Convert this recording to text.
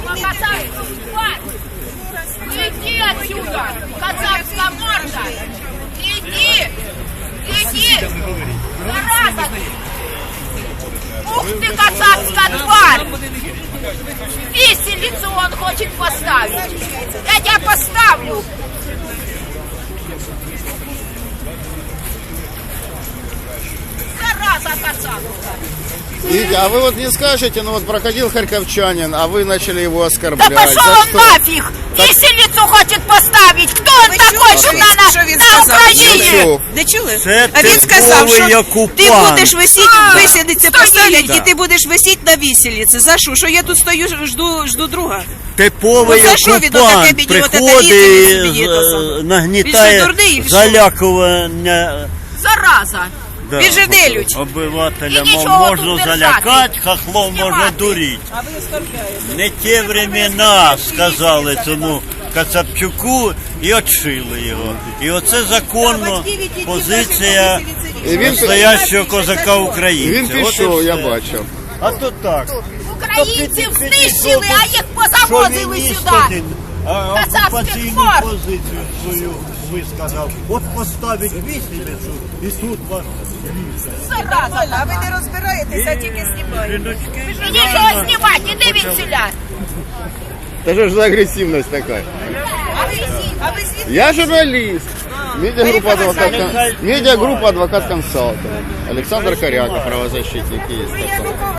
Иди отсюда, казахская морда! Иди! Иди! Зараза! Ух ты, казахская тварь! Виселицу он хочет поставить! Я тебя поставлю! Зараза казахская! Видите, а вы вот не скажете, ну вот проходил харьковчанин, а вы начали его Да оскорблять. пошел За он что? нафиг! Виселицу хочет поставить! Кто он такой, що на Україні? Чув. Не чули? Це А він сказав, типовий що окупант. ти будеш висіти, висідиться поставлять, Да. і ти будеш висіти на віселиці. За що? Що я тут стою, жду друга? Типовий Ну, за що він отаке окупант мені, отаке приходить, їздить собі, то саме? Він же нагнітає дурний, що? залякування Зараза! да, Він же нелюдь. обивателя. І нічого Можна тут держати. залякати, хахлом можна Знімати. дурити. А ви оскорбляєте. Не ті времена, сказали цьому Кацапчуку, і отшили його. І оце законно позиція І він- настоящого козака Він українця. От і пішов, я все. бачив. А то так. Українців знищили, а їх позавозили сюди! А Казахських окупаційну мор. позицію свою висказав. От поставить віселицю і тут вас Зараза! А ви не розбираєтеся, тільки знімаєте. жіночки. Іди чого знімати, іди від селя! Та що ж за агресивність така? А ви звідки? Я журналист. Медиагруппа адвокат консалтинг. Александр Коряка, правозащитник есть.